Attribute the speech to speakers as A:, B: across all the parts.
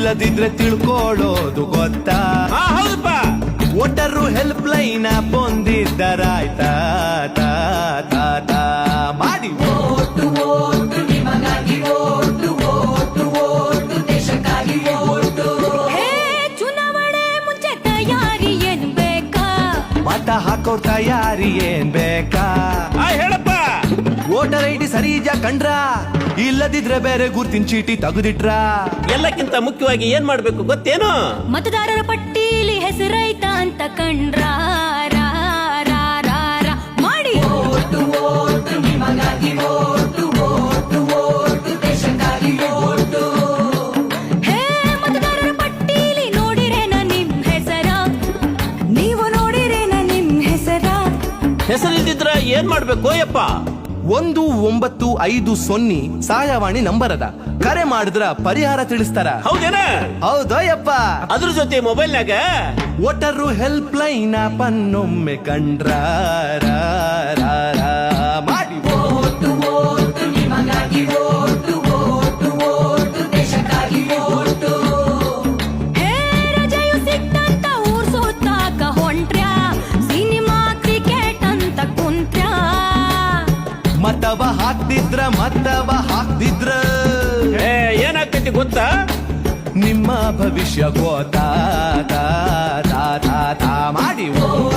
A: ಇಲ್ಲದಿದ್ರೆ ತಿಳ್ಕೊಳ್ಳೋದು ಗೊತ್ತಾ?
B: ಹೌದಪ್ಪ.
A: ವೋಟರು ಹೆಲ್ಪ್ ಲೈನ್ ಬಂದಿದ್ದರಾಯ್ತಾ ತಾ ತಾ ತಾ ಮಾಡಿ.
C: ಚುನಾವಣೆ ಮುಂಚೆ ತಯಾರಿ ಏನ್ ಬೇಕಾ?
A: ಮತ ಹಾಕೋರ್ ತಯಾರಿ ಏನ್ ಬೇಕಾ?
B: ಹೇಳಪ್ಪ.
A: ವೋಟರ್ ಐಡಿ ಸರಿ ಕಂಡ್ರ, ಇಲ್ಲದಿದ್ರೆ ಬೇರೆ ಗುರ್ತಿನ ಚೀಟಿ ತೆಗೆದಿಟ್ರ.
B: ಎಲ್ಲಕ್ಕಿಂತ ಮುಖ್ಯವಾಗಿ ಏನ್ ಮಾಡ್ಬೇಕು ಗೊತ್ತೇನು?
C: ಮತದಾರರ ಪಟ್ಟೀಲಿ ಹೆಸರೈತ ಅಂತ ಕಂಡ್ರ ಮಾಡಿ. ಮತದಾರರ ಪಟ್ಟೀಲಿ ನೋಡಿರೇನ ನಿಮ್ ಹೆಸರ? ನೀವು ನೋಡಿರೇನ ನಿಮ್ ಹೆಸರ?
B: ಹೆಸರಿಲ್ದಿದ್ರ ಏನ್ ಮಾಡ್ಬೇಕು ಯಪ್ಪ?
A: 1950 ಸಹಾಯವಾಣಿ ನಂಬರ್ ಅದ. ಕರೆ ಮಾಡಿದ್ರ ಪರಿಹಾರ ತಿಳಿಸ್ತಾರ.
B: ಹೌದೇನ?
A: ಹೌದೋ ಯಪ್ಪ.
B: ಅದ್ರ ಜೊತೆ ಮೊಬೈಲ್ನಾಗ
A: ವೋಟರು ಹೆಲ್ಪ್ ಲೈನ್ ಪನ್ನೊಮ್ಮೆ ಕಂಡ್ರ ಮಾಡಿ.
C: ರಜೆಯು ಸಿಕ್ತಂತ ಊರ್ ಸುತ್ತಾಕ ಹೊಂಟ್ರ್ಯಾ? ಸಿನಿಮಾ ಕ್ರಿಕೆಟ್ ಅಂತ ಕುಂತ್ರ್ಯಾ?
A: ಮತವ ಹಾಕ್ದಿದ್ರ
B: ಏನಾಗ್ತೈತಿ ಗೊತ್ತಾ?
A: ನಿಮ್ಮ ಭವಿಷ್ಯ ಗೋತಾ ತಾ ತಾ ತಾ ತಾ ಮಾಡಿ.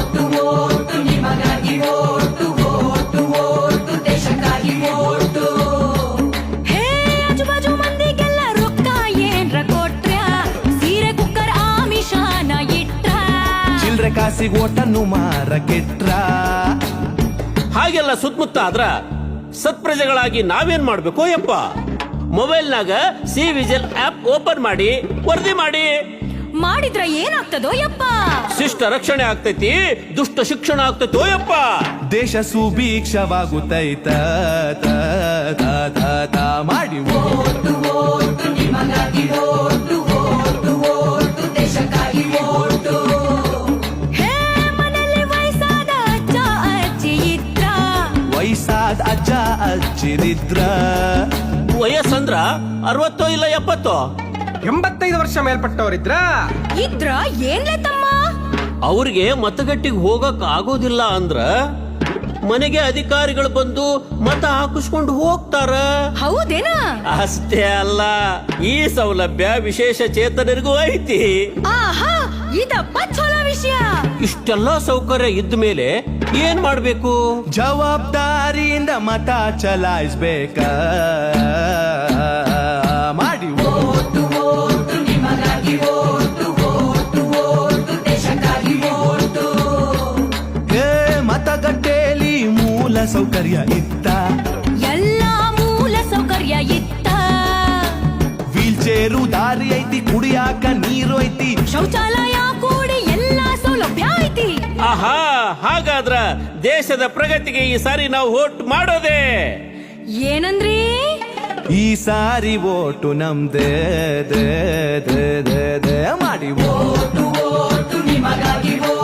C: ಆಜುಬಾಜು ಮಂದಿಗೆಲ್ಲ ರೊಕ್ಕ ಏನ್ರ ಕೊಟ್ರ್ಯಾ? ಸೀರೆ ಕುಕ್ಕರ್ ಆಮಿಷಾನ ಇಟ್ರ?
A: ಚಿಲ್ರೆ ಕಾಸಿಗೆ ಓಟನ್ನು ಮಾರಕೆಟ್ರ.
B: ಹಾಗೆಲ್ಲ ಸುತ್ತಮುತ್ತ ಆದ್ರ ಸತ್ಪ್ರಜೆಗಳಾಗಿ ನಾವೇನ್ ಮಾಡ್ಬೇಕು ಯಪ್ಪ? ಮೊಬೈಲ್ನಾಗ ಸಿ ವಿಜಿಲ್ ಆಪ್ ಓಪನ್ ಮಾಡಿ ವರದಿ
C: ಮಾಡಿದ್ರ ಏನಾಗ್ತದೋ ಯಪ್ಪ?
B: ಶಿಷ್ಟ ರಕ್ಷಣೆ ಆಗ್ತೈತಿ, ದುಷ್ಟ ಶಿಕ್ಷಣ ಆಗ್ತೈತೋ ಯಪ್ಪ.
A: ದೇಶ ಸುಭೀಕ್ಷವಾಗುತ್ತೈತ ತಾ ತಾ ತಾ ತಾ ಮಾಡಿ.
C: ಮನೆಯಲ್ಲಿ ವಯಸ್ಸಾದ ಅಜ್ಜ ಅಜ್ಜಿ ಇದ್ರ?
A: ವಯಸ್ಸಾದ ಅಜ್ಜ ಅಜ್ಜಿರಿದ್ರ.
B: ವಯಸ್ಸಂದ್ರ 60 ಇಲ್ಲ 70?
D: 85 ವರ್ಷ ಮೇಲ್ಪಟ್ಟವರಿದ್ರ
C: ಇದ್ರ ಏನ್ಲೆ ತಮ್ಮ?
B: ಅವ್ರಿಗೆ ಮತಗಟ್ಟಿಗೆ ಹೋಗಕ್ ಆಗೋದಿಲ್ಲ ಅಂದ್ರ ಮನೆಗೆ ಅಧಿಕಾರಿಗಳು ಬಂದು ಮತ ಹಾಕಿಸ್ಕೊಂಡು ಹೋಗ್ತಾರ.
C: ಹೌದೇನಾ?
B: ಅಷ್ಟೇ ಅಲ್ಲ, ಈ ಸೌಲಭ್ಯ ವಿಶೇಷ ಚೇತನರಿಗೂ ಐತಿ.
C: ಆಹಾ, ಇದಪ್ಪ ಚಲೋ ವಿಷಯ.
B: ಇಷ್ಟೆಲ್ಲ ಸೌಕರ್ಯ ಇದ್ದ ಮೇಲೆ ಏನ್ ಮಾಡ್ಬೇಕು?
A: ಜವಾಬ್ದಾರಿಯಿಂದ ಮತ ಚಲಾಯಿಸ್ಬೇಕ ಮಾಡಿ. ಮತಗಟ್ಟೆಯಲ್ಲಿ ಮೂಲ ಸೌಕರ್ಯ ಇತ್ತ?
C: ಎಲ್ಲಾ ಮೂಲ ಸೌಕರ್ಯ ಇತ್ತ?
A: ವೀಲ್ ಚೇರು ದಾರಿ ಐತಿ, ಕುಡಿಯಾಕ ನೀರು ಐತಿ,
C: ಶೌಚಾಲಯ ಕೂಡಿ ಎಲ್ಲಾ ಸೌಲಭ್ಯ ಐತಿ.
B: ಆಹಾ, ಹಾಗಾದ್ರ ದೇಶದ ಪ್ರಗತಿಗೆ ಈ ಸಾರಿ ನಾವು ವೋಟ್ ಮಾಡೋದೇ.
C: ಏನಂದ್ರಿ?
A: ಈ ಸಾರಿ ಓಟು ನಮ್ದೇ ದೇ ದೇ ದೇ ದೇ ಮಾಡಿ.